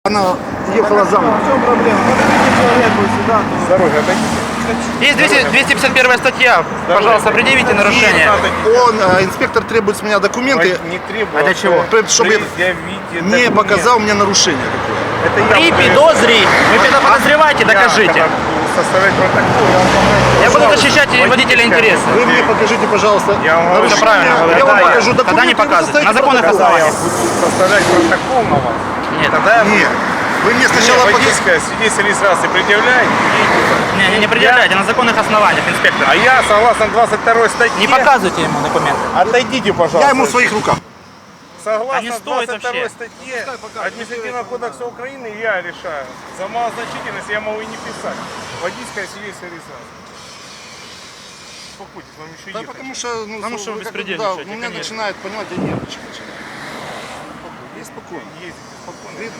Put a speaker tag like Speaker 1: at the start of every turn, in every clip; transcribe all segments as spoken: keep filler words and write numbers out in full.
Speaker 1: Она ехала за мной.
Speaker 2: В чем проблема? Подойдите человеку сюда.
Speaker 3: С дороги отойдите.
Speaker 4: Есть двести, двести пятьдесят первая статья. Пожалуйста, предъявите нарушение.
Speaker 1: Он, э, инспектор, требует с меня документы,
Speaker 3: Не требую.
Speaker 4: А для чего?
Speaker 1: чтобы я
Speaker 3: Предъявите
Speaker 1: не
Speaker 3: документ.
Speaker 1: показал мне нарушение такое.
Speaker 3: Это я
Speaker 4: При
Speaker 3: буду-
Speaker 4: подозре. Вы это подозреваете,
Speaker 3: Я,
Speaker 4: докажите.
Speaker 3: когда буду составлять протокол, я вам покажу.
Speaker 4: Я буду защищать водителя интереса.
Speaker 1: Вы мне покажите, пожалуйста,
Speaker 3: Я вам говорю,
Speaker 1: нарушение.
Speaker 4: правильно говорю.
Speaker 1: Я вам
Speaker 4: Да, я-
Speaker 1: покажу
Speaker 4: тогда
Speaker 1: документы,
Speaker 4: не
Speaker 1: и вы
Speaker 4: показывайте.
Speaker 1: составите
Speaker 4: На законных
Speaker 1: протокол.
Speaker 3: Когда я
Speaker 4: основаниях.
Speaker 3: буду составлять протокол на вас,
Speaker 4: Нет,
Speaker 3: тогда я
Speaker 1: Нет, вы мне
Speaker 3: Мне
Speaker 1: сначала покажите.
Speaker 3: водительское свидетельство регистрации предъявляете,
Speaker 4: не, не, не предъявляйте, на законных основаниях, инспектор.
Speaker 3: а я согласно двадцать второй статье...
Speaker 4: Не показывайте ему документы.
Speaker 3: Отойдите, пожалуйста.
Speaker 1: Я ему в своих руках.
Speaker 3: Согласно
Speaker 4: А не стоит
Speaker 3: двадцать второй
Speaker 4: вообще.
Speaker 3: статье Административного кодекса Украины я решаю. За малозначительность я могу и не писать. Водительское свидетельство регистрации. Успокойтесь, вам еще
Speaker 1: Да,
Speaker 3: ехать.
Speaker 1: потому что, ну,
Speaker 4: Потому что вы
Speaker 1: как-
Speaker 4: беспредельничаете,
Speaker 1: да, у меня
Speaker 4: конечно.
Speaker 1: начинает, понимаете, нервничать начинает. Спокойно, я спокойно.
Speaker 3: Ездите спокойно.
Speaker 1: Видно.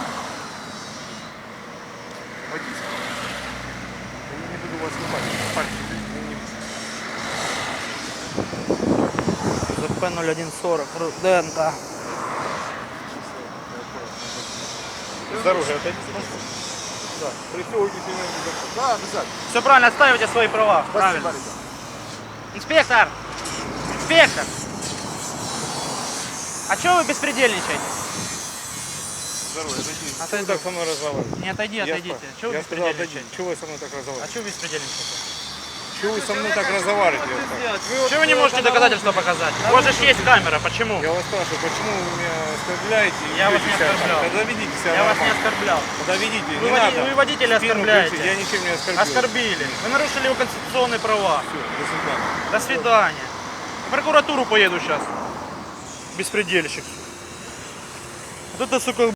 Speaker 3: Водительское. Я не буду вас снимать. Пальцы не-
Speaker 4: ЗП ноль один сорок, Руденко.
Speaker 3: С дороги отойдите. Да. Пристегивайтесь и на
Speaker 1: Да, обязательно.
Speaker 4: Все правильно, отстаивайте свои права.
Speaker 1: Спасибо,
Speaker 4: Правильно.
Speaker 1: ребят.
Speaker 4: Инспектор! Инспектор! А чего вы беспредельничаете?
Speaker 3: Здорово, отойдите.
Speaker 4: А
Speaker 3: Что вы
Speaker 4: ты-
Speaker 3: так со мной разговариваете?
Speaker 4: Не отойди,
Speaker 3: Я
Speaker 4: отойдите.
Speaker 3: спрашиваю.
Speaker 4: Чего вы
Speaker 3: Я сказал, отойдите.
Speaker 4: беспредельничаете?
Speaker 3: Чего вы со мной так
Speaker 4: А
Speaker 3: разговариваете?
Speaker 4: чего вы беспредельничаете?
Speaker 3: Чего вы со мной так разговариваете? я спрашиваю?
Speaker 4: Чего вы не можете доказательства показать? У вас же ж есть камера, почему?
Speaker 3: Я вас спрашиваю, почему вы меня оскорбляете? и
Speaker 4: Я вас
Speaker 3: ведете
Speaker 4: не
Speaker 3: себя так?
Speaker 4: оскорблял.
Speaker 3: Тогда ведите себя
Speaker 4: Я вас не
Speaker 3: нормально.
Speaker 4: оскорблял.
Speaker 3: Тогда ведите,
Speaker 4: Вы,
Speaker 3: не
Speaker 4: води-
Speaker 3: надо.
Speaker 4: вы водителя
Speaker 3: Спину
Speaker 4: оскорбляете.
Speaker 3: кричите, Я ничем не оскорбил.
Speaker 4: Оскорбили. Вы нарушили его конституционные права.
Speaker 3: Все, до свидания.
Speaker 4: До свидания. В прокуратуру поеду сейчас. Беспредельщик. Вот это, сука,